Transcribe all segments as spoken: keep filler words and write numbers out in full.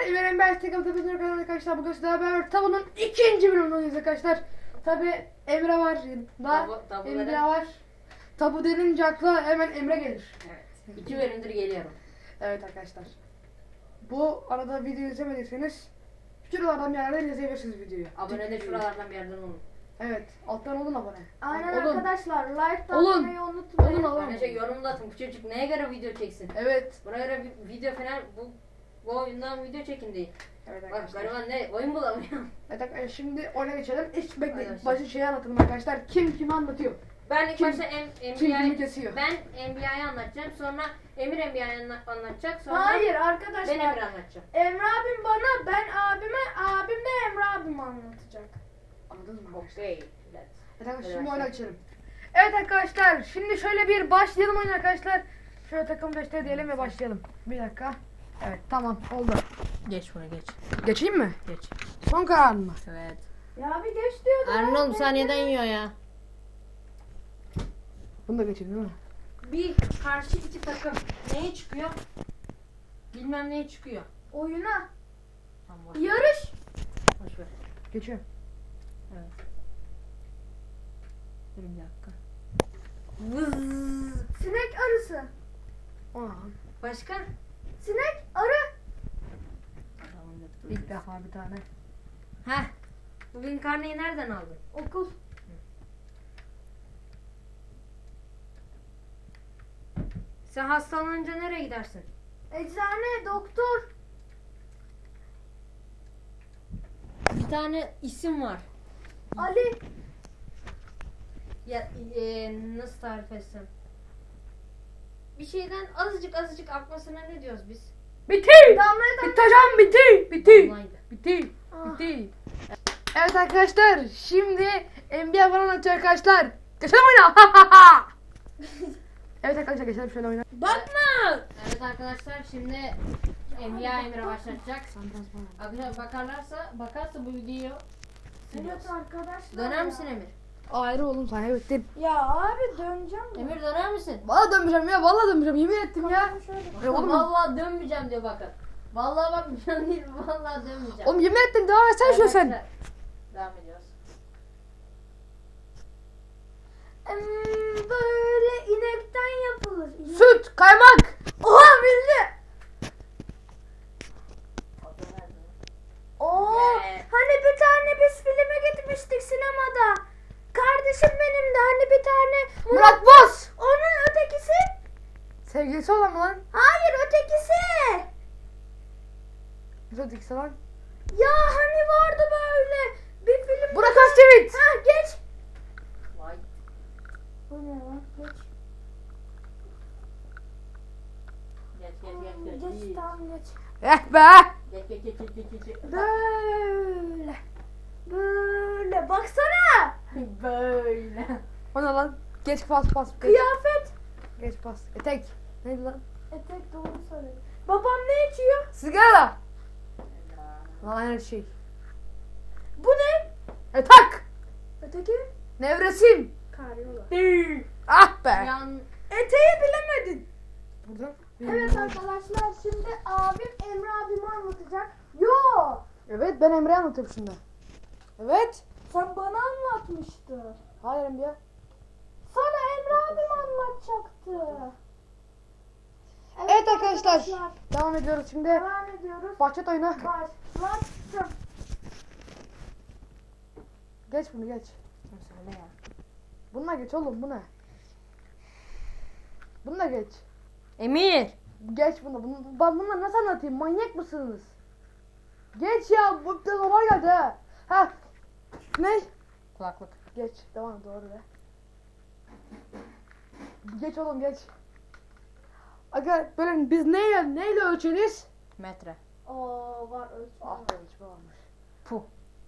İverin ben Tekam Tepesi'ne kadar arkadaşlar. Bugün sizlerle beraber Tabu'nun ikinci bölümündeyiz arkadaşlar. Tabi Emre var. Daha Tabu, tabu Emre neden? var. Tabu denince akla hemen Emre gelir. Evet. İki bölümdür geliyorum. Evet arkadaşlar. Bu arada video izlemediyseniz şuralardan bir yerden izleyebilirsiniz videoyu. Abone de şuralardan bir yerden olun. Evet. Alttan olun abone. Aynen Olun. arkadaşlar, like da Olun. atmayı unutmayın. Olun olun. Ayrıca yorumda atın. Bu çocuk neye göre video çeksin? Evet. Buna göre bir video falan bu bu oyundan video çekin değil. Evet Bak arkadaşlar. gariban ne oyun bulamıyor. Evet arkadaşlar şimdi oyuna geçelim. Hiç bekleyin. Arkadaşlar. Başı şeyi anlatalım arkadaşlar. Kim kimi anlatıyor? Ben ilk Kim- başta em, Kim kimi Enbiya'yı kesiyor? ben Enbiya'yı anlatacağım. Sonra Emir Enbiya'yı anla- anlatacak. Sonra Hayır ben arkadaşlar, Emir anlatacağım. Emre abim bana, ben abime, abim de Emre abime anlatacak. Anladınız mı? arkadaşlar? Okey. Evet arkadaşlar Hadi şimdi başla. oyuna geçelim. Evet arkadaşlar şimdi şöyle bir başlayalım oyuna arkadaşlar. Şöyle takım beşte diyelim ve başlayalım. Bir dakika. Evet tamam oldu. Geç buna geç. Geçeyim mi? Geç. Son karar mı? Evet. Ya bir geç diyordu. Arnold saniyeden yiyor ya. Bunu da geçeyim değil mi? Bir karşı iki takım neye çıkıyor? Bilmem neye çıkıyor. Oyuna. Tamam boş, Yarış. boş ver. Geçiyorum. Evet. Dur bir dakika. Vız. Sinek arısı. Aa, Başka? Sinek arı. ilk defa bir tane. Heh. Bugün karneyi nereden aldın? Okul. Sen hastalanınca nereye gidersin? Eczane, doktor. Bir tane isim var. Ali. Ya e, nasıl tarif etsem? Bir şeyden azıcık azıcık akmasına ne diyoruz biz? Bitti. Damlaya Bitti hocam bitti. Bitti. Damlaydı. Bitti. Ah. Bitti. Evet arkadaşlar şimdi N B A falan atıyor arkadaşlar. Geçelim oyuna. Evet arkadaşlar geçelim şöyle oyuna. Bakma. Evet arkadaşlar şimdi Enbiya Emir'e başlatacak. Arkadaşlar bakarlarsa bakarsa bu videoyu Evet arkadaşlar. döner ya. misin Emir? Ayrı oğlum sen evet değil. Ya abi döneceğim. ya. Emir döner misin? Valla dönmeyeceğim ya valla dönmeyeceğim yemin ettim ya. Tamam, şöyle. Ya oğlum, Vallahi dönmeyeceğim diyor bakın. Vallahi bakmayacağım değil, vallahi dönmeyeceğim. oğlum yemin ettim devam etsene şöyle sen. Arkadaşlar, devam ediyoruz. Hmm, böyle inekten yapılır. İnek- Süt, kaymak. Oha bildi. Oo, Yeah. hani bir tane biz filme gitmiştik sinemada. Kardeşim benim de hani bir tane Murat Boz. Onun ötekisi? Sevgilisi olan mı lan? Hayır ötekisi. Güzel dikisi lan. Ya hani vardı böyle bir film. Burak Özçivit. Ha geç. Vay. Bu ne lan? Geç. Geç geç geç geç. Geç tamam geç. Eh be. Geç geç geç geç geç geç. Böyle. Böyle. Baksana. Böyle. O ne lan? Geç pas pas. Geç, Kıyafet. geç pas. Etek. Neydi lan? Etek doğru söylüyor. Babam ne içiyor? Sigara. Lan aynı şey. Bu ne? Etak. Öteki? Nevresim. Karyola. Ah be. Yan Eteği bilemedin. Buradan. Evet arkadaşlar şimdi abim Emre abimi anlatacak. Yo. Evet ben Emre'ye anlatıyorum şimdi. Evet. Sen bana anlatmıştın. Hayır Emre. Sana Emre abim anlatacaktı. Evet arkadaşlar. Devam ediyoruz şimdi. Devam ediyoruz. Bahçet oyunu. Başlattım. Geç bunu geç. söyle ya. Bununla geç oğlum bu ne? Bununla geç. Emir. Geç bunu. bunu ben bunları nasıl anlatayım? Manyak mısınız? Geç ya. Bu da normal geldi ha. Ha. Ne? Kulaklık. Geç. Devam doğru be. Geç oğlum geç. Aga böyle biz neyle neyle ölçeriz? Metre. Oo var ölçme. Ah be ölçme varmış. Puh.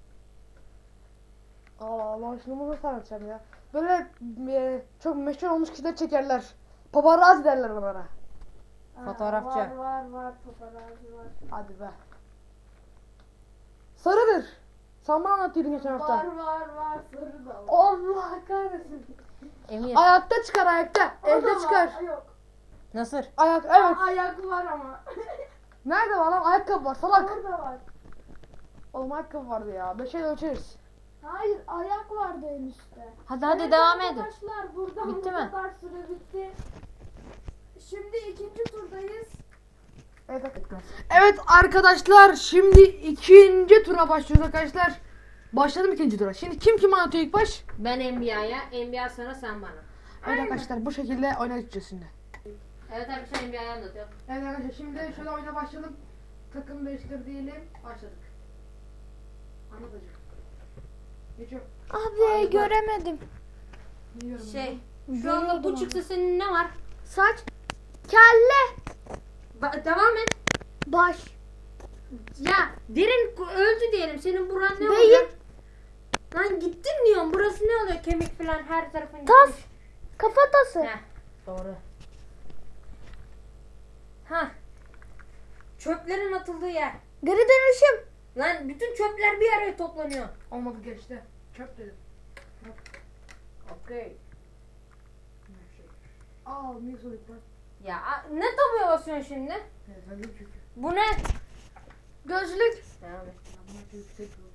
Allah Allah şimdi bunu nasıl anlatacağım ya? Böyle e, çok meşhur olmuş kişiler çekerler. Paparazzi derler onlara. Aa, Fotoğrafçı. Var var var paparazzi var. Hadi be. Sarıdır. Sen bana anlatıyordun geçen hafta. Var var var sarı da var. Allah kahretsin. Emir. Ayakta çıkar ayakta. O da Elde var, çıkar. Yok. Nasıl? Ayak Aa, evet. ayak var ama. Nerede var lan? Ayakkabı var salak. Orada var. Oğlum ayakkabı vardı ya. Beşe ölçeriz. Hayır ayak vardı en üstte. Hadi hadi Evet devam edin. arkadaşlar buradan Bitti bu mi? kadar süre bitti. Şimdi ikinci turdayız. Evet, evet arkadaşlar şimdi ikinci tura başlıyoruz arkadaşlar. Başladım ikinci tura. Şimdi kim kim anlatıyor ilk baş? Ben N B A'ya, N B A sana, sen bana. Evet arkadaşlar bu şekilde oyuna geçeceğiz şimdi. Evet arkadaşlar N B A'yı anlatıyor. Evet arkadaşlar şimdi şöyle oyuna başlayalım. Takım değiştir diyelim. Başladık. Anlatacağım. Geçiyor. Abi göremedim. Biliyorum. Şey, şu anda bu çıktı senin ne var? Saç. Kelle. Ba- devam et. Baş. Ya derin ku- öldü diyelim. Senin buran ne Beyin. oluyor? Lan gittin diyorum. Burası ne oluyor? Kemik falan her tarafın Tas. gitmiş. Kafatası. Heh, doğru. Ha. Çöplerin atıldığı yer. Geri dönüşüm. Lan bütün çöpler bir araya toplanıyor. Olmadı geçti. Çöp dedim. Okey. Aa niye soruyorsun lan? Ya a- ne tabuya basıyorsun şimdi? Evet ben de çünkü. Bu ne? Gözlük. Devam et. Ama yüksek yok.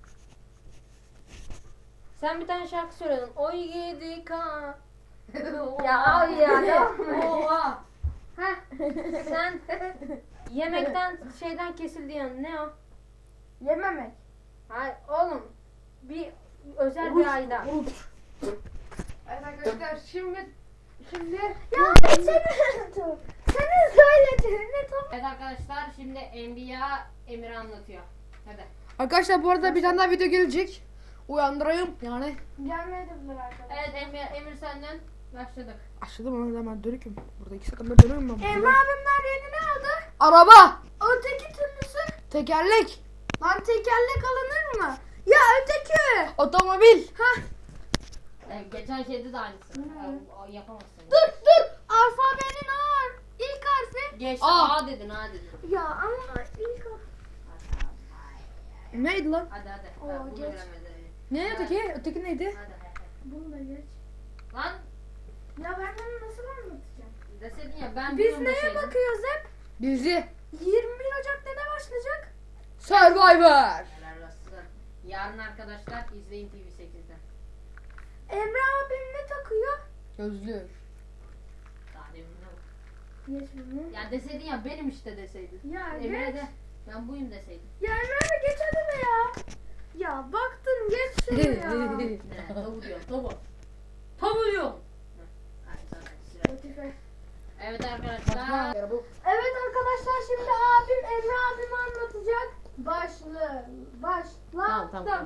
Sen bir tane şarkı söyledin. Oy yedi ka. Ya abi ya devam et. Oha. Heh. Sen yemekten şeyden kesildi yani. Ne o? Yememek. Hayır oğlum. Bir özel bir ayda. Evet arkadaşlar şimdi şimdi Ya senin senin söylediğini tamam. Evet arkadaşlar şimdi N B A Emir'i anlatıyor. Hadi. arkadaşlar bu arada bir tane daha video gelecek. Uyandırayım yani. Gelmedim arkadaşlar. Evet Emir, Emir senden başladık. Aşağıda bana hemen dönüküm. Burada iki sakın dönüyorum ben. Emre abimler yeni ne aldı? Araba. Öteki türlüsü. Tekerlek. Lan tekerlek alınır mı? Ya öteki. Otomobil. Hah. Ee, geçen şeyde de aynısı. Ee, o yapamazsın. Dur dur. Alfabenin A. İlk harfi. Geçti Aa. A dedin A dedin. Ya ama ilk harfi. Neydi lan? Hadi hadi. Oo, Ha, bunu geç. bilemedi. Ne Evet. öteki? Öteki neydi? Hadi hadi. Bunu da geç. Lan Ya ben bunu nasıl anlatacağım? deseydin ya ben Biz biliyorum neye deseydin. bakıyoruz hep? Dizi. yirmi bir Ocak'ta ne başlayacak? Survivor. Helal olsun. Yarın arkadaşlar izleyin T V sekizde. Emre abim ne takıyor? Gözlük. Daha demin ne var? Geç bunu. Ya deseydin ya benim işte deseydin. Ya Emre geç. de ben buyum deseydin. Ya Emre abi geç hadi be ya. Ya baktın geç şunu ya. Ne? Tabu diyor. Tabu. Tabu diyor. Heh, hadi sana sıra. Spotify. Evet arkadaşlar. Evet arkadaşlar şimdi abim Emre abim anlatacak. Başlı. Başla. Tamam tamam.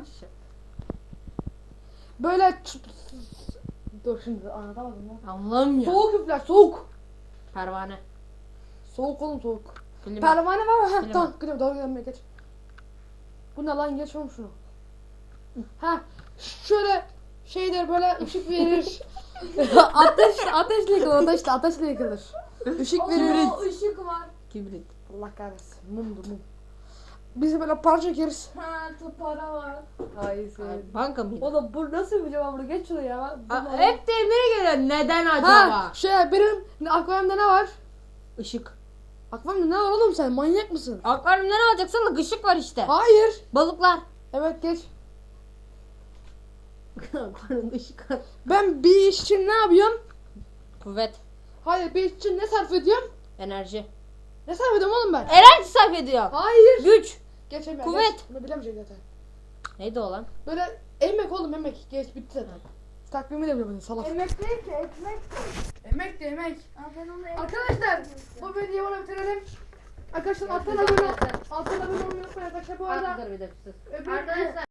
Böyle ç- dur şimdi anlatamadım lan. Allah'ım ya. Soğuk üfler soğuk. Pervane. Soğuk oğlum soğuk. Film. Pervane var mı? Ha Film. tamam gidiyorum doğru gidelim geç. Bu ne lan geç oğlum şunu. Ha şöyle şeyler böyle ışık verir. ateş ateşle yıkılır ateşle ateşle yıkılır. Işık verir. Oo, ışık var. Kibrit. Allah kahretsin mumdur mum. Biz böyle para çekeriz. Ha para var. Hayır Ay, Banka mıydı? Oğlum bu nasıl bir cevap bunu geç şunu ya. Aa, hep de nereye geliyor? Neden acaba? Ha şey benim akvaryumda ne var? Işık. Akvaryumda ne var oğlum sen manyak mısın? Akvaryumda ne olacak? Sana ışık var işte. Hayır. Balıklar. Evet geç. Akvaryumda ışık var. Ben bir iş için ne yapıyorum? Kuvvet. Hayır bir iş için ne sarf ediyorum? Enerji. Ne sarf ediyorum oğlum ben? Enerji sarf ediyor. Hayır. Güç. Geçemiyorum. Kuvvet. Geç. Bunu bilemeyecek zaten. Neydi o lan? Böyle emek oğlum emek. Geç bitti zaten. Takvimi de bilemedin salak. Emek değil ki ekmek. Emek de emek. Aa, ben onu emek Arkadaşlar bu videoyu burada bitirelim. Arkadaşlar alttan abone alttan abone olmayı unutmayın arkadaşlar bu arada. Dur bir dakika. öbür- Arkadaşlar